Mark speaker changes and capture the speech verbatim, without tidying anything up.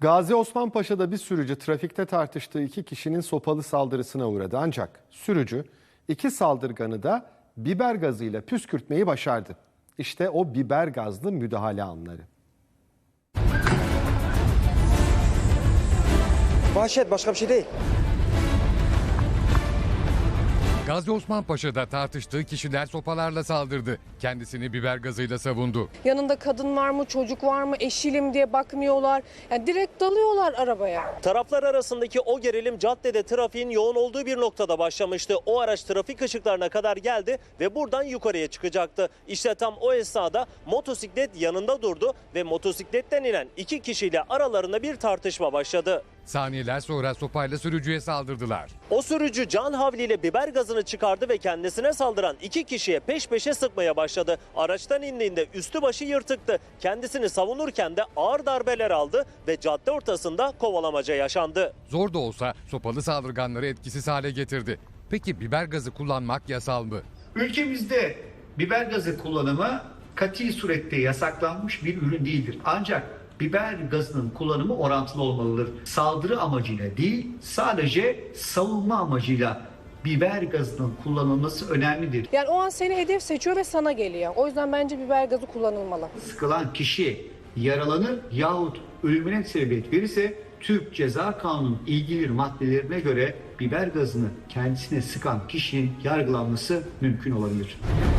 Speaker 1: Gazi Osman Paşa'da bir sürücü trafikte tartıştığı iki kişinin sopalı saldırısına uğradı. Ancak sürücü iki saldırganı da biber gazıyla püskürtmeyi başardı. İşte o biber gazlı müdahale anları.
Speaker 2: Vahşet, başka bir şey değil.
Speaker 3: Gazi Osman Paşa'da tartıştığı kişiler sopalarla saldırdı. Kendisini biber gazıyla savundu.
Speaker 4: Yanında kadın var mı, çocuk var mı, eşiyle mi diye bakmıyorlar. Yani direkt dalıyorlar arabaya.
Speaker 5: Taraflar arasındaki o gerilim caddede trafiğin yoğun olduğu bir noktada başlamıştı. O araç trafik ışıklarına kadar geldi ve buradan yukarıya çıkacaktı. İşte tam o esnada motosiklet yanında durdu ve motosikletten inen iki kişiyle aralarında bir tartışma başladı.
Speaker 3: Saniyeler sonra sopayla sürücüye saldırdılar.
Speaker 5: O sürücü can havliyle biber gazını çıkardı ve kendisine saldıran iki kişiye peş peşe sıkmaya başladı. Araçtan indiğinde üstü başı yırtıktı. Kendisini savunurken de ağır darbeler aldı ve cadde ortasında kovalamaca yaşandı.
Speaker 3: Zor da olsa sopalı saldırganları etkisiz hale getirdi. Peki biber gazı kullanmak yasal mı?
Speaker 6: Ülkemizde biber gazı kullanımı kati surette yasaklanmış bir ürün değildir. Ancak biber gazının kullanımı orantılı olmalıdır. Saldırı amacıyla değil, sadece savunma amacıyla biber gazının kullanılması önemlidir.
Speaker 4: Yani o an seni hedef seçiyor ve sana geliyor. O yüzden bence biber gazı kullanılmalı.
Speaker 6: Sıkılan kişi yaralanır yahut ölümüne sebebiyet verirse Türk Ceza Kanunu'nun ilgili maddelerine göre biber gazını kendisine sıkan kişinin yargılanması mümkün olabilir.